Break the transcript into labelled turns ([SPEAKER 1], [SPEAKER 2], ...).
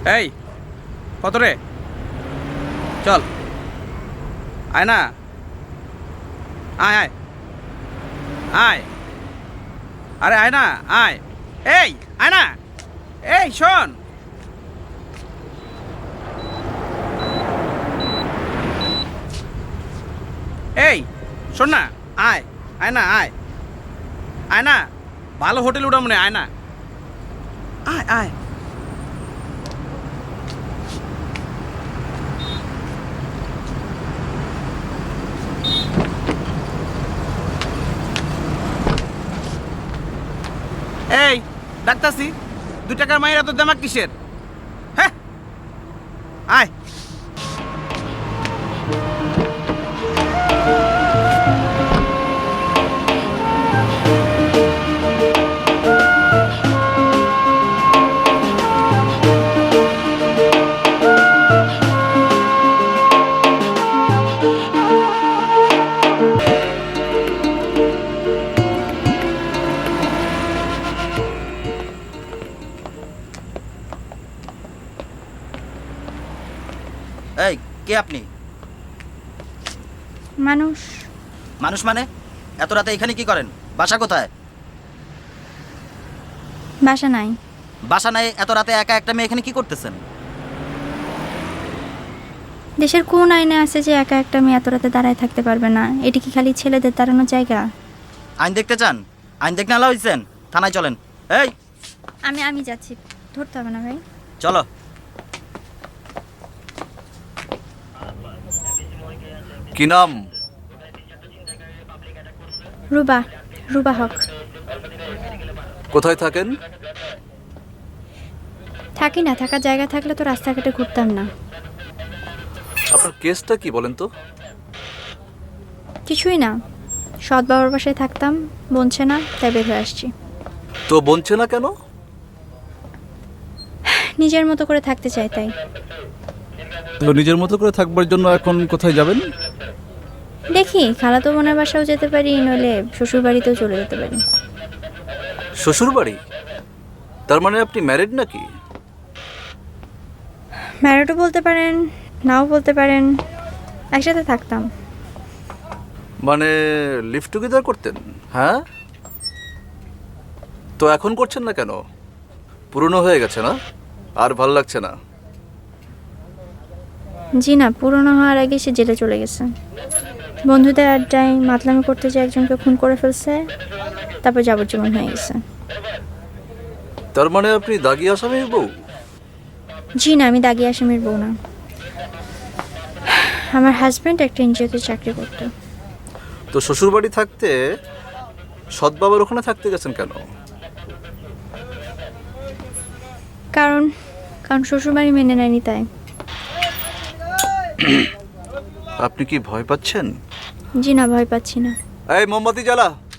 [SPEAKER 1] এই কত রে? চল আয় না, আয় আয় আয়, আরে আয় না, আয়, এই আয় না, এই শোন, এই শোন না, আয়, আয় না, আয়, আয় না, ভালো হোটেল উঠা মনে, আয় না, আয় আয়। এই ডাক্তারছি, 2 টাকার মাইরা তো দেমাক কিসের? হ্যাঁ আয়।
[SPEAKER 2] এই কে আপনি?
[SPEAKER 3] মানুষ।
[SPEAKER 2] মানুষ মানে? এত রাতে এখানে কি করেন? বাসা কোথায়?
[SPEAKER 3] বাসা নাই।
[SPEAKER 2] বাসা নাই, এত রাতে একা একটা মেয়ে এখানে কি করতেছেন?
[SPEAKER 3] দেশের কোন আইনে আছে যে একা একটা মেয়ে এত রাতে দাঁড়ায় থাকতে পারবে না? এটি কি খালি ছেলেদের দাঁড়ানোর জায়গা?
[SPEAKER 2] আইন দেখতে চান? আইন দেখতে আলা হয়েছেন? থানায় চলেন। এই
[SPEAKER 3] আমি যাচ্ছি, ধরতে হবে না ভাই।
[SPEAKER 2] চলো।
[SPEAKER 4] কি নাম?
[SPEAKER 3] রুবা, রুবা হক।
[SPEAKER 4] কোথায় থাকেন?
[SPEAKER 3] থাকি না, থাকার জায়গা থাকলে তো রাস্তাঘাটে ঘুরতাম না।
[SPEAKER 4] আপনার কেসটা কি বলেন তো?
[SPEAKER 3] কিছুই না, সৎ বাবার বাসায় থাকতাম, বনছে না, তাই বের হয়ে আসছি।
[SPEAKER 4] তো বলছে না কেন?
[SPEAKER 3] নিজের মতো করে থাকতে চাই তাই।
[SPEAKER 4] তো নিজের মতো করে থাকবার জন্য এখন কোথায় যাবেন?
[SPEAKER 3] দেখি খালাতো বোনের বাসাও যেতে পারি, নইলে শ্বশুর বাড়িতেও চলে যেতে পারি।
[SPEAKER 4] শ্বশুর বাড়ি? তার মানে আপনি ম্যারিড নাকি?
[SPEAKER 3] ম্যারিডও বলতে পারেন, নাও বলতে পারেন, একসাথে থাকতাম।
[SPEAKER 4] মানে লিভ টুগেদার করতেন? হ্যাঁ, তো এখন করছেন না কেন? পুরনো হয়ে গেছে না? আর ভাল লাগছে না?
[SPEAKER 3] জি না, পুরনো হওয়ার আগে সে জেলে চলে গেছে। বন্ধুদের আড্ডায় মাতলামি করতে যে একজনকে খুন করে ফেলছে, তারপর যাবজ্জীবন হয়ে গেছে।
[SPEAKER 4] তার মানে আপনি দাগি আসামির বউ?
[SPEAKER 3] জি না, আমি দাগি আসামির বউ না। আমার হাজব্যান্ড একটা এনজিওতে চাকরি করতো।
[SPEAKER 4] তো শ্বশুর বাড়ি থাকতে সৎ বাবার ওখানে থাকতে গেছেন কেন?
[SPEAKER 3] কারণ কারণ শ্বশুরবাড়ি মেনে নেয়নি তাই।
[SPEAKER 4] আপনি কি ভয় পাচ্ছেন?
[SPEAKER 3] জি না, ভয় পাচ্ছি না।
[SPEAKER 4] এই মোমবাতি জ্বালা।